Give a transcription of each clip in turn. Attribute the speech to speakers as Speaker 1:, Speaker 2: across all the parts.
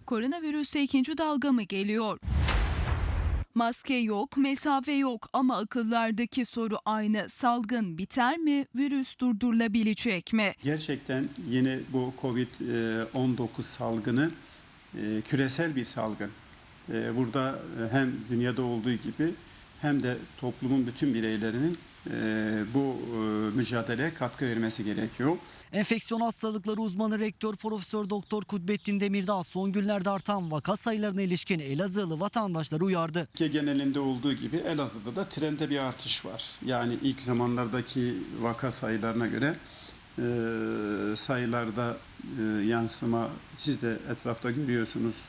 Speaker 1: Koronavirüste ikinci dalga mı geliyor? Maske yok, mesafe yok ama akıllardaki soru aynı. Salgın biter mi? Virüs durdurulabilecek mi?
Speaker 2: Gerçekten yine bu Covid-19 salgını küresel bir salgın. Burada hem dünyada olduğu gibi hem de toplumun bütün bireylerinin bu mücadeleye katkı vermesi gerekiyor.
Speaker 3: Enfeksiyon hastalıkları uzmanı Rektör Profesör Doktor Kudbettin Demirdağ son günlerde artan vaka sayılarına ilişkin Elazığlı vatandaşları uyardı.
Speaker 2: Türkiye genelinde olduğu gibi Elazığ'da da trende bir artış var. Yani ilk zamanlardaki vaka sayılarına göre sayılarda yansıma siz de etrafta görüyorsunuz.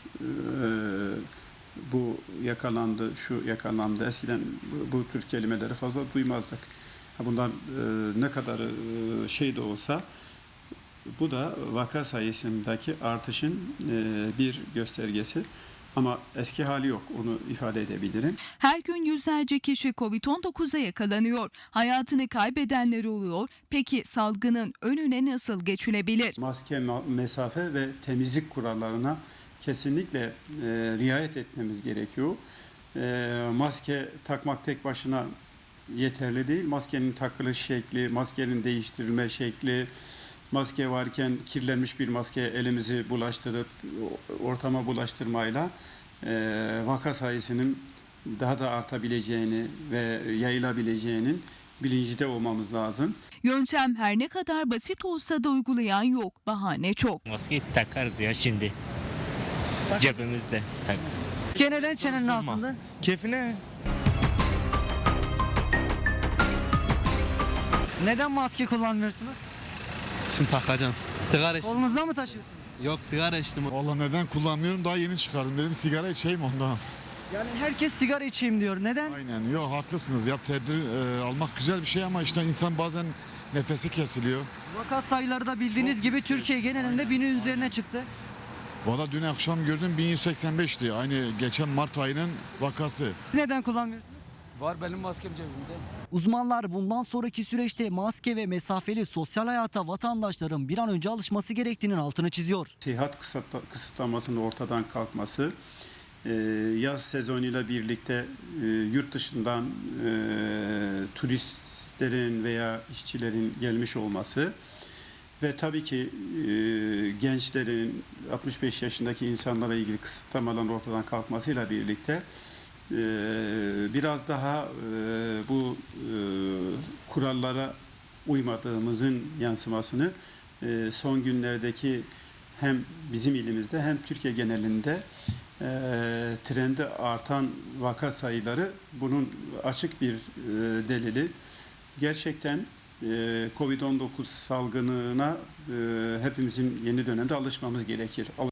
Speaker 2: Bu yakalandı, şu yakalandı. Eskiden bu tür kelimeleri fazla duymazdık. Bunlar ne kadar şey de olsa bu da vaka sayısındaki artışın bir göstergesi. Ama eski hali yok, onu ifade edebilirim.
Speaker 1: Her gün yüzlerce kişi Covid-19'a yakalanıyor. Hayatını kaybedenler oluyor. Peki salgının önüne nasıl geçilebilir?
Speaker 2: Maske, mesafe ve temizlik kurallarına kesinlikle riayet etmemiz gerekiyor. Maske takmak tek başına yeterli değil. Maskenin takılış şekli, maskenin değiştirilme şekli, maske varken kirlenmiş bir maskeye elimizi bulaştırıp ortama bulaştırmayla vaka sayısının daha da artabileceğini ve yayılabileceğinin bilincinde olmamız lazım.
Speaker 1: Yöntem her ne kadar basit olsa da uygulayan yok. Bahane çok.
Speaker 4: Maskeyi takarız ya şimdi. Cebimizde tak.
Speaker 3: Neden çenenin altında?
Speaker 5: Keyfine.
Speaker 3: Neden maske kullanmıyorsunuz?
Speaker 5: Şimdi takacağım. Sigara içtim.
Speaker 3: Kolunuzda mı taşıyorsunuz?
Speaker 5: Yok sigara içtim.
Speaker 6: Valla neden kullanmıyorum, daha yeni çıkardım. Dedim sigara içeyim ondan.
Speaker 3: Yani herkes sigara içeyim diyor. Neden?
Speaker 6: Aynen. Yok haklısınız. Tedbir almak güzel bir şey ama işte insan bazen nefesi kesiliyor.
Speaker 3: Vaka sayıları da bildiğiniz gibi Türkiye genelinde 1000'in üzerine çıktı.
Speaker 6: Valla dün akşam gördüm 1185'ti. Aynı geçen Mart ayının vakası.
Speaker 3: Neden kullanmıyorsunuz?
Speaker 5: Var benim maskem cebimde.
Speaker 3: Uzmanlar bundan sonraki süreçte maske ve mesafeli sosyal hayata vatandaşların bir an önce alışması gerektiğinin altını çiziyor.
Speaker 2: Seyahat kısıtlamasının ortadan kalkması, yaz sezonuyla birlikte yurt dışından turistlerin veya işçilerin gelmiş olması ve tabii ki gençlerin 65 yaşındaki insanlara ilgili kısıtlamaların ortadan kalkmasıyla birlikte biraz daha bu kurallara uymadığımızın yansımasını son günlerdeki hem bizim ilimizde hem Türkiye genelinde trende artan vaka sayıları bunun açık bir delili. Gerçekten Covid-19 salgınına hepimizin yeni dönemde alışmamız gerekir.